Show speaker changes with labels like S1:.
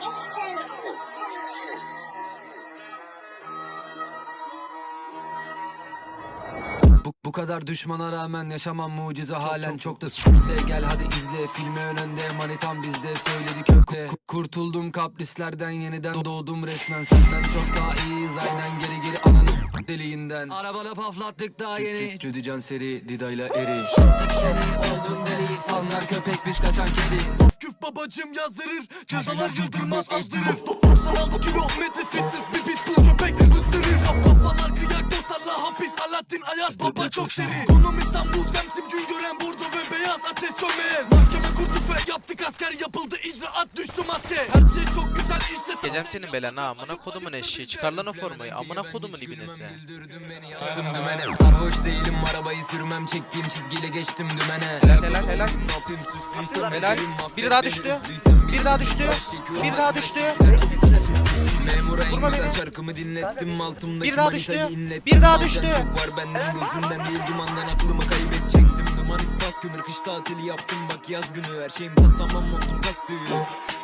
S1: Bu kadar düşmana rağmen yaşamam mucize halen çok da s***le. Gel hadi izle filmi önünde manitam bizde söyledi kökle. Kurtuldum kaprislerden yeniden doğdum resmen. Senden çok daha iyiyiz aynen geri ananı deliğinden. Arabada paflattık daha yeni Cüdican seri Dida'yla eri. Tek seni oldun deli fanlar köpekmiş kaçan kedi.
S2: Of küf babacım yazdırır cezalar yıldırmaz azdırır. 96 kilometre fitness bir pitbull köpek ısırır. Kafalar kıyak dostlarla hapis Alaaddin Ayaz baba çok seri. Konum İstanbul Semsim gün gören Burdu ve beyaz ateş sönmeyen. Mahkeme kurduk ve yaptık asker yapıldı icraat düştü maske. Her şey çok güzel işte.
S3: Gecem senin belanı amına kodumun eşeği. Çıkar lan o formayı amına kodumun ibinesi.
S1: Sarhoş değilim arabayı sürmem çektiğim çizgiyle geçtim dümene.
S3: Helal. Helal. Biri daha düştü. Bir daha düştü. Bir daha düştü.
S1: Memura en
S3: Vurma
S1: güzel
S3: beni.
S1: şarkımı dinlettim altımdaki
S3: Bir daha
S1: manitayı
S3: düştü.
S1: inlettim.
S3: Bir daha
S1: Bazen
S3: düştü.
S1: Çok var benden gözünden değil dumandan aklımı kaybedecektim. Duman ispas kömür kış tatili yaptım bak yaz günü. Her şeyim tas tamam montum kas suyu.